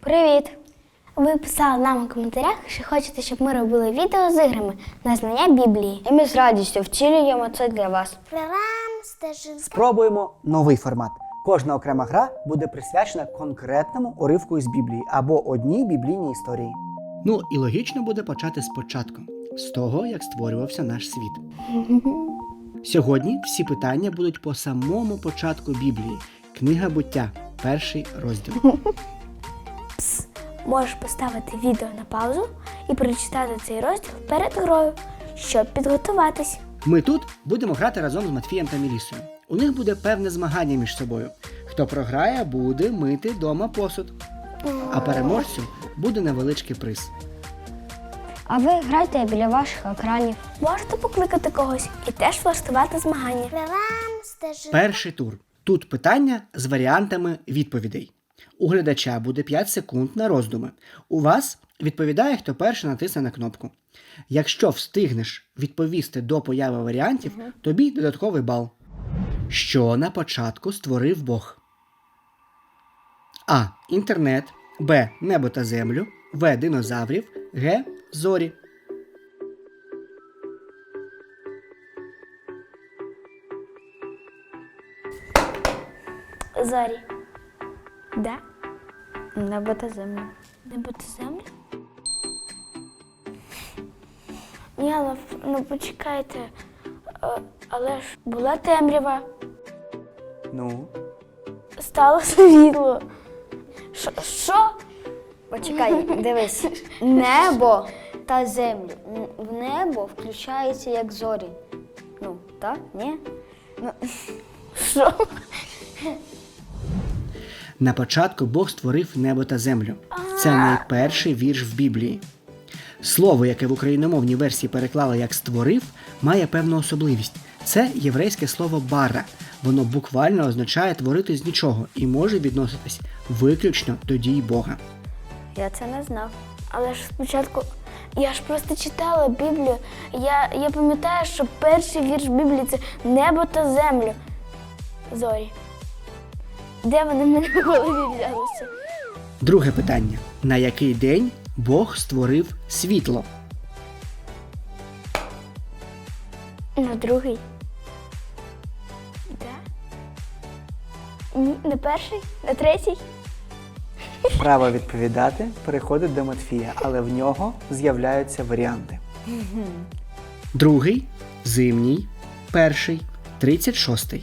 Привіт! Ви писали нам у коментарях, що хочете, щоб ми робили відео з іграми на знання Біблії. І ми з радістю втілюємо це для вас. Спробуємо новий формат. Кожна окрема гра буде присвячена конкретному уривку із Біблії або одній біблійній історії. Ну і логічно буде почати спочатку, з того, як створювався наш світ. Сьогодні всі питання будуть по самому початку Біблії. Книга Буття, 1 розділ. Можеш поставити відео на паузу і прочитати цей розділ перед грою, щоб підготуватись. Ми тут будемо грати разом з Матфієм та Мілісою. У них буде певне змагання між собою. Хто програє, буде мити дома посуд. А переможцю буде невеличкий приз. А ви грайте біля ваших екранів. Можете покликати когось і теж влаштувати змагання. Перший тур. Тут питання з варіантами відповідей. У глядача буде 5 секунд на роздуми. У вас відповідає, хто перший натисне на кнопку. Якщо встигнеш відповісти до появи варіантів, тобі додатковий бал. Що на початку створив Бог? А. Інтернет. Б. Небо та землю. В. Динозаврів. Г. Зорі. Зорі. Да? Небо та землю. Небо та земля? Ні, але ну почекайте. Але ж була темрява, Ну? стало світло. Що? Почекай, дивись. Небо та землю. В небо включається як зорі. Ну, так? Ні? Ну, Що? На початку Бог створив небо та землю. Це найперший вірш в Біблії. Слово, яке в україномовній версії переклали як «створив», має певну особливість. Це єврейське слово «бара». Воно буквально означає «творити з нічого» і може відноситись виключно до дій Бога. я це не знав. Але ж спочатку, я ж просто читала Біблію. Я пам'ятаю, що перший вірш Біблії – це небо та землю. Зорі. Де вони в мене в голові взялися? Друге питання. На який день Бог створив світло? На другий. Да? Ні, на перший? На третій? Право відповідати переходить до Матфія, але в нього з'являються варіанти. Другий, зимній, перший, 36-й.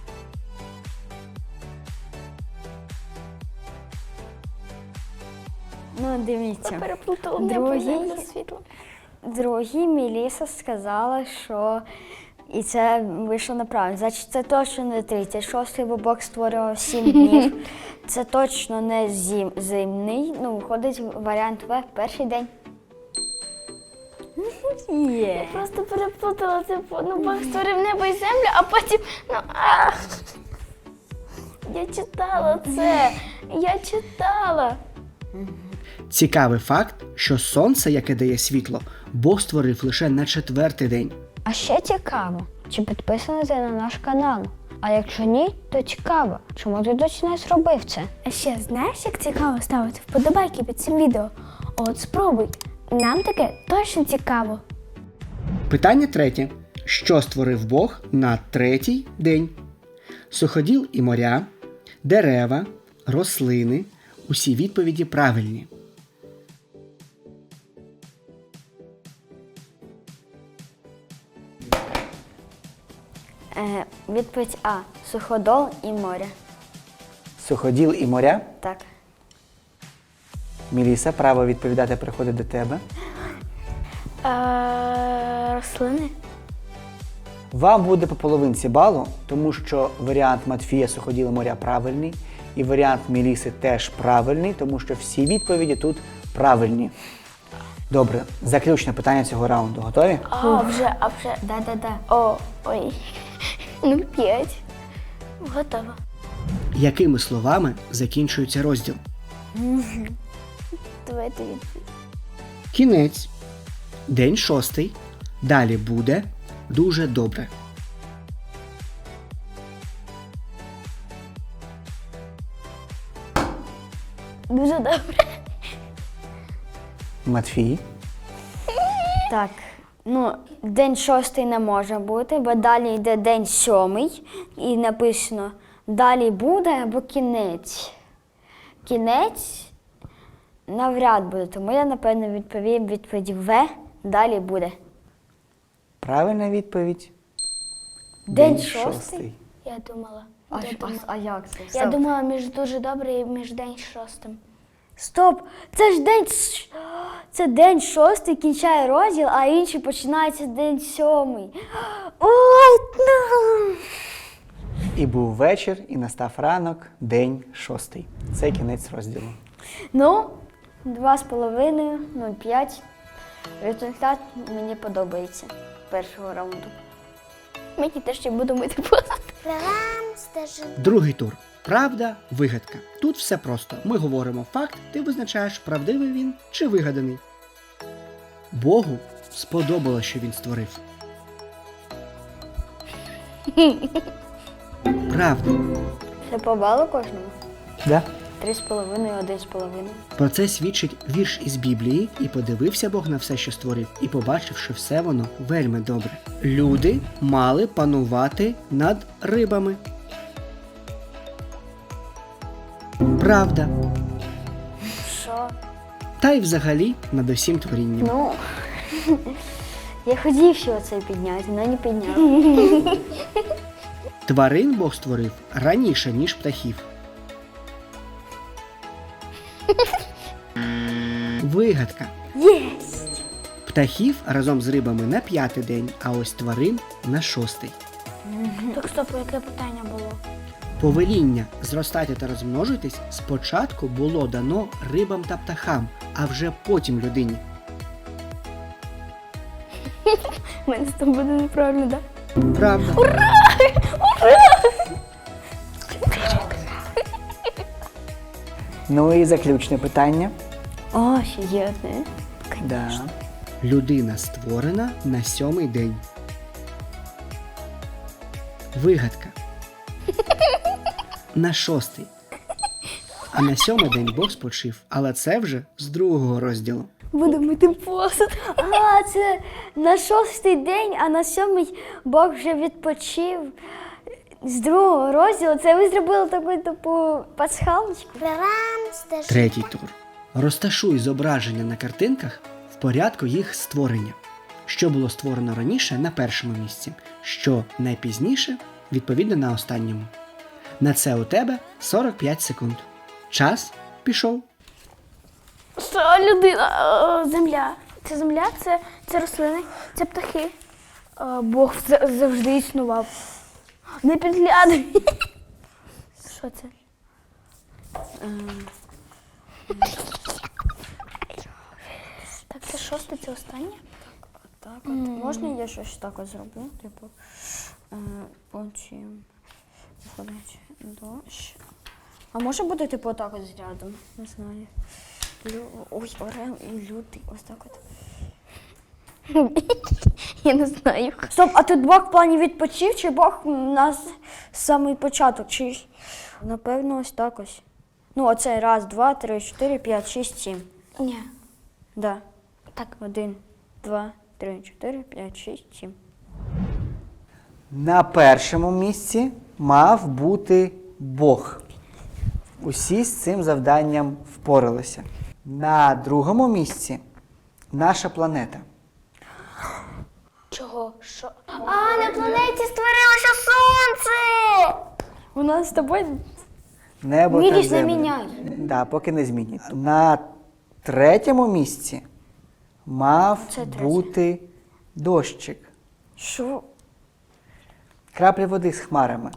Ну, дивіться. Переплутала небо, Другий. землю, світло. Другий Меліса сказала, що і це вийшло неправильно. Значить, це точно не 36-й, бо Бог створював 7 днів. Це точно не зимний. Ну, виходить варіант В – перший день. Я просто переплутала, ну Бог створив небо і землю, а потім, Я читала це, я читала. Цікавий факт, що сонце, яке дає світло, Бог створив лише на 4-й день. А ще цікаво, чи підписаний ти на наш канал? А якщо ні, то цікаво, чому ти досі не зробив це? А ще знаєш, як цікаво ставити вподобайки під цим відео? От спробуй, нам таке точно цікаво. Питання третє. Що створив Бог на 3-й день? Суходіл і моря, дерева, рослини. Усі відповіді правильні. Відповідь А. Суходол і море. Суходіл і моря. Так. Міліса, право відповідати переходить до тебе. Рослини? Вам буде по половинці балу, тому що варіант Матфія Суходіл і моря правильний, і варіант Міліси теж правильний, тому що всі відповіді тут правильні. Добре, заключне питання цього раунду. Готові? А вже. Да. Ой. Ну, 5. Готово. Якими словами закінчується розділ? Давайте відповідь. Кінець. День 6-й. Далі буде дуже добре. Дуже добре. Матфій. Так, ну, день 6 не може бути, бо далі йде день 7 і написано далі буде або кінець. Кінець навряд буде, тому я, напевно, відповім відповідь В, далі буде. Правильна відповідь. День 6? Я думала. А як це? Я Стоп. думала між дуже добре і між день 6. Стоп! Це ж це день 6 кінчає розділ, а інший починається день 7. Ой, ну. І був вечір, і настав ранок, день 6. Це кінець розділу. Ну, 2,5, 0,5. Результат мені подобається першого раунду. Мені теж ще буду мити посуд. Другий тур. Правда, вигадка. Тут все просто. Ми говоримо факт, ти визначаєш, правдивий він чи вигаданий. Богу сподобалось, що він створив. Правда. Це по балу кожному? Да? 3,5 і 1,5. Про це свідчить вірш із Біблії, і подивився Бог на все, що створив, і побачив, що все воно вельми добре. Люди мали панувати над рибами. Правда. Що? Та й взагалі над усім творінням. Ну, я хотів ще оце підняти, але не підняв. Тварин Бог створив раніше, ніж птахів. Вигадка. Єсть! Птахів разом з рибами на 5-й день, а ось тварин на 6-й. Так, стоп, яке питання було? Повеління зростайте та розмножуйтесь спочатку було дано рибам та птахам, а вже потім людині. У мене з тобою буде неправильно, так? Правда. Ну і заключне питання. О, ще є одне. Да. Людина створена на 7-й день. Вигадка. На 6-й. А на 7-й день Бог спочив, але це вже з 2-го розділу. Буду мити посуд. А, це на 6-й день, а на 7-й Бог вже відпочив. З 2-го розділу це ви зробили таку типу пасхалочку. 3-й тур. Розташуй зображення на картинках в порядку їх створення. Що було створено раніше на першому місці, що найпізніше, відповідно на останньому. На це у тебе 45 секунд. Час пішов. Що людина? Земля. Це земля, це рослини, це птахи. Бог завжди існував. Не підглядай. Що це? Так, це 6, це останнє? Так, от можна я щось так от зроблю? Типу, потім виходить дощ. А може бути типу отак от з рядом? Не знаю. Ой, орел і лютий. Ось так от. Я не знаю. Стоп, а тут Бог в плані відпочив, чи Бог нас з самий початок? Чи напевно ось так ось. Ну, оце 1, 2, 3, 4, 5, 6, 7. Ні. Да. Так. 1, 2, 3, 4, 5, 6, 7. На першому місці мав бути Бог. Усі з цим завданням впоралися. На другому місці наша планета. Чого? Що? А, на планеті створилося сонце! У нас з тобою Небо Міліш та не земля. міняє. Да, поки не змінюється. На третьому місці мав Це третє. бути дощик. що? Краплі води з хмарами.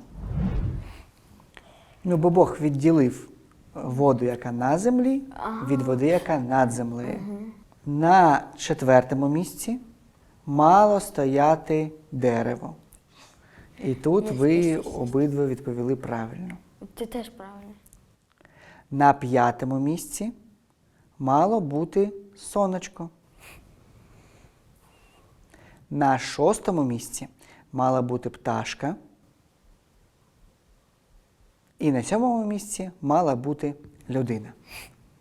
Ну, бо Бог відділив воду, яка на землі, від води, яка над землею. На четвертому місці мало стояти дерево. І тут ви обидва відповіли правильно. Ти теж правильно. На п'ятому місці мало бути сонечко. На шостому місці мала бути пташка. І на сьомому місці мала бути людина.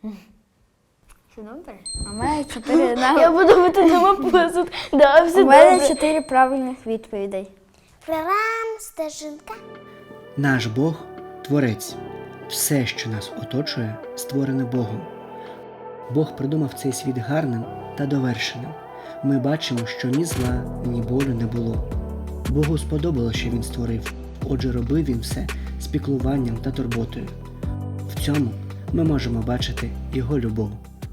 Все добре? У мене 4 Я буду мити дома посуд. Да, все У мене добре. 4 правильних відповідей. Прорам, стежинка. Наш Бог творець. Все, що нас оточує, створене Богом. Бог придумав цей світ гарним та довершеним. Ми бачимо, що ні зла, ні болю не було. Богу сподобалося, що він створив, отже робив він все з піклуванням та турботою. В цьому ми можемо бачити його любов.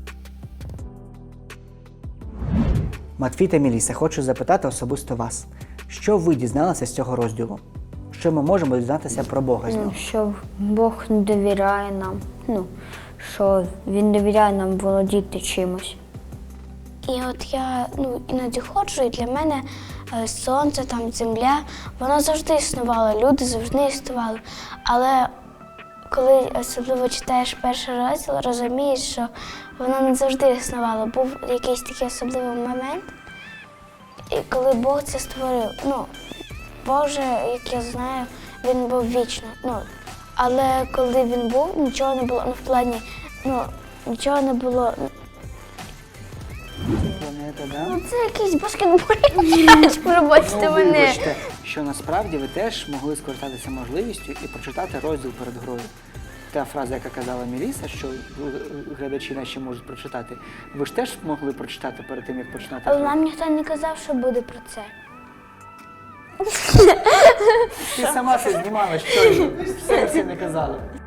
Матвій та Міліса, хочу запитати особисто вас. Що ви дізналися з цього розділу? Що ми можемо дізнатися про Бога з нього? Що Бог не довіряє нам. Що Він довіряє нам володіти чимось. І от я іноді ходжу, і для мене сонце, там, земля, воно завжди існувало, люди завжди існували. Але коли особливо читаєш перший розділ, розумієш, що воно не завжди існувало. Був якийсь такий особливий момент, і коли Бог це створив. Бог же, як я знаю, він був вічно. Але коли він був, нічого не було, в плані, нічого не було. Планета, да? Це якийсь баскетбольний м'яч, пробачте мене. Вибачте, що насправді ви теж могли скористатися можливістю і прочитати розділ перед грою. Та фраза, яка казала Міліса, що глядачі наші можуть прочитати, ви ж теж могли прочитати перед тим, як починати Але гру? нам ніхто не казав, що буде про це. Ти сама це знімала, що в сенсі не казала.